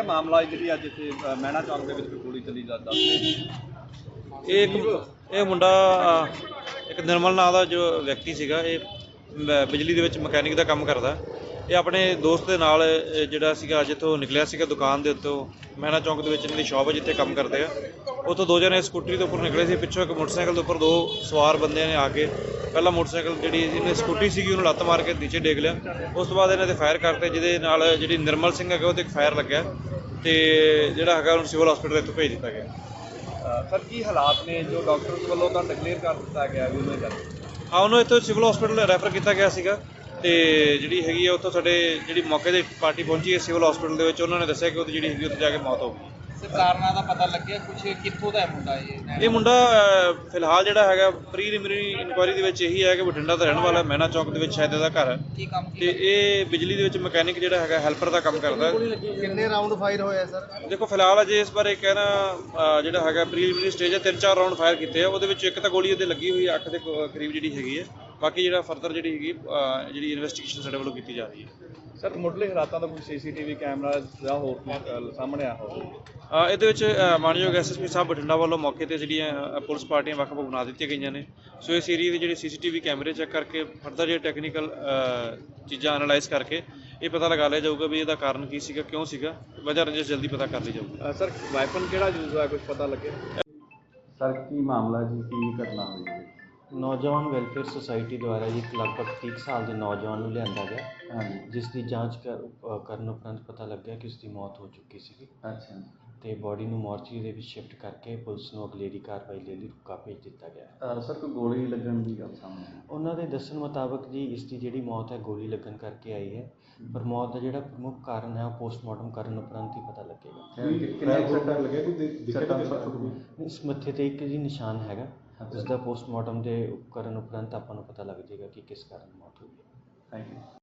ਮਾਮਲਾ ਜਿਹੜੀ ਅੱਜ ਇੱਥੇ ਮਹਿਣਾ ਚੌਂਕ ਦੇ ਵਿੱਚ ਕੋਈ ਗੋਲੀ ਚੱਲੀ ਜਾਂਦਾ ਇਹ ਮੁੰਡਾ ਇੱਕ ਨਿਰਮਲ ਨਾਂ ਦਾ ਜੋ ਵਿਅਕਤੀ ਸੀਗਾ, ਇਹ ਬਿਜਲੀ ਦੇ ਵਿੱਚ ਮਕੈਨਿਕ ਦਾ ਕੰਮ ਕਰਦਾ। ਇਹ ਆਪਣੇ ਦੋਸਤ ਦੇ ਨਾਲ ਜਿਹੜਾ ਸੀਗਾ ਜਿੱਥੋਂ ਨਿਕਲਿਆ ਸੀਗਾ ਦੁਕਾਨ ਦੇ ਉੱਤੋਂ, ਮਹਿਣਾ ਚੌਂਕ ਦੇ ਵਿੱਚ ਇਹਨਾਂ ਦੀ ਸ਼ਾਪ ਹੈ ਜਿੱਥੇ ਕੰਮ ਕਰਦੇ ਆ, ਉੱਥੋਂ ਦੋ ਜਣੇ ਸਕੂਟਰੀ ਦੇ ਉੱਪਰ ਨਿਕਲੇ ਸੀ। ਪਿੱਛੋਂ ਇੱਕ ਮੋਟਰਸਾਈਕਲ ਦੇ ਉੱਪਰ ਦੋ ਸਵਾਰ ਬੰਦਿਆਂ ਨੇ ਆ ਕੇ ਪਹਿਲਾਂ ਮੋਟਰਸਾਈਕਲ ਜਿਹੜੀ ਇਹਨੇ ਸਕੂਟਰੀ ਸੀਗੀ ਉਹਨੂੰ ਲੱਤ ਮਾਰ ਕੇ ਨੀਚੇ ਡੇਗ ਲਿਆ। ਉਸ ਤੋਂ ਬਾਅਦ ਇਹਨਾਂ ਤੇ ਫਾਇਰ ਕਰਤੇ, ਜਿਹਦੇ ਨਾਲ ਜਿਹੜੀ ਨਿਰਮਲ ਸਿੰਘ ਹੈਗਾ ਉਹਦੇ ਇੱਕ ਫਾਇਰ ਲੱਗਿਆ ਤੇ ਜਿਹੜਾ ਹੈਗਾ ਉਹਨੂੰ ਸਿਵਲ ਹਸਪੀਟਲ ਇੱਥੋਂ ਭੇਜ ਦਿੱਤਾ ਗਿਆ। ਸਰ ਕੀ ਹਾਲਾਤ ਨੇ ਜੋ ਡਾਕਟਰ ਵੱਲੋਂ ਤਾਂ ਡਿਕਲੇਅਰ ਕਰ ਦਿੱਤਾ ਗਿਆ ਵੀ ਉਹਨੇ ਕਰ ਉਹਨੂੰ ਇੱਥੋਂ ਸਿਵਲ ਹਸਪੀਟਲ ਰੈਫਰ ਕੀਤਾ ਗਿਆ ਸੀਗਾ ਤੇ ਜਿਹੜੀ ਹੈਗੀ ਆ ਉੱਥੋਂ ਸਾਡੇ ਜਿਹੜੀ ਮੌਕੇ ਦੀ ਪਾਰਟੀ ਪਹੁੰਚੀ ਹੈ ਸਿਵਲ ਹਸਪੀਟਲ ਦੇ ਵਿੱਚ, ਉਹਨਾਂ ਨੇ ਦੱਸਿਆ ਕਿ ਉਹਦੀ ਜਿਹੜੀ ਹੈਗੀ ਉੱਥੇ ਜਾ ਕੇ ਮੌਤ ਹੋ ਗਈ। ਕਾਰਨਾਂ ਦਾ ਪਤਾ ਲੱਗਿਆ ਕੁਝ, ਕਿੱਥੋਂ ਦਾ ਮੁੰਡਾ ਇਹ ਮੁੰਡਾ ਫਿਲਹਾਲ ਜਿਹੜਾ ਹੈਗਾ ਪ੍ਰੀਲਿਮਿਨਰੀ ਇਨਕੁਆਇਰੀ ਦੇ ਵਿੱਚ ਇਹੀ ਹੈ ਕਿ ਬਠਿੰਡਾ ਦਾ ਰਹਿਣ ਵਾਲਾ, ਮਹਿਣਾ ਚੌਂਕ ਦੇ ਵਿੱਚ ਸ਼ਾਇਦ ਇਹਦਾ ਘਰ ਹੈ ਤੇ ਇਹ ਬਿਜਲੀ ਦੇ ਵਿੱਚ ਮਕੈਨਿਕ ਜਿਹੜਾ ਹੈਗਾ ਹੈਲਪਰ ਦਾ ਕੰਮ ਕਰਦਾ। ਕਿੰਨੇ ਰਾਉਂਡ ਫਾਇਰ ਹੋਇਆ ਸਰ? ਦੇਖੋ ਫਿਲਹਾਲ ਅਜੇ ਇਸ ਬਾਰੇ ਕਹਿਣਾ ਜਿਹੜਾ ਹੈਗਾ ਪ੍ਰੀਲਿਮਿਨਰੀ ਸਟੇਜ ਹੈ, 3-4 ਰਾਉਂਡ ਫਾਇਰ ਕੀਤੇ ਆ, ਉਹਦੇ ਵਿੱਚ ਇੱਕ ਤਾਂ ਗੋਲੀ ਉਹਦੇ ਲੱਗੀ ਹੋਈ ਹੈ ਅੱਖ ਦੇ ਕਰੀਬ ਜਿਹੜੀ ਹੈਗੀ ਹੈ। ਬਾਕੀ ਜਿਹੜਾ ਫਰਦਰ ਜਿਹੜੀ ਹੈਗੀ ਜਿਹੜੀ ਇਨਵੈਸਟੀਗੇਸ਼ਨ ਸਾਡੇ ਵੱਲੋਂ ਕੀਤੀ ਜਾ ਰਹੀ ਹੈ। ਸਰ ਮੁੱਢਲੇ ਹਾਲਾਤਾਂ ਦਾ ਕੋਈ CCTV ਕੈਮਰਾ ਜਾਂ ਹੋਰ ਸਾਹਮਣੇ ਆ ਹੋਵੇ? ਇਹਦੇ ਵਿੱਚ ਮਾਨਯੋਗ SSP ਸਾਹਿਬ ਬਠਿੰਡਾ ਵੱਲੋਂ ਮੌਕੇ ਤੇ ਜਿਹੜੀਆਂ ਪੁਲਿਸ ਪਾਰਟੀਆਂ ਵੱਖ-ਵੱਖ ਬਣਾ ਦਿੱਤੀਆਂ ਗਈਆਂ ਨੇ। ਸੋ ਇਸ ਏਰੀਏ ਦੇ ਜਿਹੜੇ CCTV ਕੈਮਰੇ ਚੈੱਕ ਕਰਕੇ ਫਰਦਰ ਜਿਹੜੇ ਟੈਕਨੀਕਲ ਚੀਜ਼ਾਂ ਐਨਾਲਾਈਜ਼ ਕਰਕੇ ਇਹ ਪਤਾ ਲਗਾ ਲਿਆ ਜਾਊਗਾ ਵੀ ਇਹਦਾ ਕਾਰਨ ਕੀ ਸੀਗਾ, ਕਿਉਂ ਸੀਗਾ, ਵਜ੍ਹਾ ਰੰਜਿਸ਼ ਜਲਦੀ ਪਤਾ ਕਰ ਲਈ ਜਾਊਗੀ। ਸਰ ਵਾਈਪਨ ਕਿਹੜਾ ਯੂਜ਼ ਹੋਇਆ, ਕੁਝ ਪਤਾ ਲੱਗਿਆ? ਸਰ ਕੀ ਮਾਮਲਾ ਜੀ, ਕੀ ਘਟਨਾ ਹੋਈ ਹੈ? ਨੌਜਵਾਨ ਵੈਲਫੇਅਰ ਸੁਸਾਇਟੀ ਦੁਆਰਾ ਜੀ ਇੱਕ ਲਗਭਗ 30 ਸਾਲ ਦੇ ਨੌਜਵਾਨ ਨੂੰ ਲਿਆਂਦਾ ਗਿਆ, ਹਾਂਜੀ, ਜਿਸ ਦੀ ਜਾਂਚ ਕਰਨ ਉਪਰੰਤ ਪਤਾ ਲੱਗਿਆ ਕਿ ਉਸ ਦੀ ਮੌਤ ਹੋ ਚੁੱਕੀ ਸੀ ਅੱਛਾ। ਤੇ ਬੋਡੀ ਨੂੰ ਮੋਰਚਰੀ ਦੇ ਵਿੱਚ ਸ਼ਿਫਟ ਕਰਕੇ ਪੁਲਿਸ ਨੂੰ ਅਗਲੇਰੀ ਕਾਰਵਾਈ ਲਈ ਰੁਕਾ ਭੇਜ ਦਿੱਤਾ ਗਿਆ। ਸਰ ਕੋਈ ਗੋਲੀ ਲੱਗਣ ਦੀ ਗੱਲ ਸਾਹਮਣੇ ਆਈ? ਉਹਨਾਂ ਦੇ ਦੱਸਣ ਮੁਤਾਬਕ ਜੀ ਇਸ ਦੀ ਜਿਹੜੀ ਮੌਤ ਹੈ ਗੋਲੀ ਲੱਗਣ ਕਰਕੇ ਆਈ ਹੈ, ਪਰ ਮੌਤ ਦਾ ਜਿਹੜਾ ਪ੍ਰਮੁੱਖ ਕਾਰਨ ਹੈ ਉਹ ਪੋਸਟਮਾਰਟਮ ਕਰਨ ਉਪਰੰਤ ਹੀ ਪਤਾ ਲੱਗੇਗਾ। ਕਿੰਨੇ ਸੱਟਾਂ ਲੱਗਿਆ ਕੋਈ ਇਸ ਮੱਥੇ ਤੇ ਇੱਕ ਜੀ ਨਿਸ਼ਾਨ ਹੈਗਾ, ਜਿਸ ਦਾ ਪੋਸਟਮਾਰਟਮ ਦੇ ਕਰਨ ਉਪਰੰਤ ਆਪਾਂ ਨੂੰ ਪਤਾ ਲੱਗ ਜਾਏਗਾ ਕਿ ਕਿਸ ਕਾਰਨ ਮੌਤ ਹੋਈ ਹੈ। Thank you.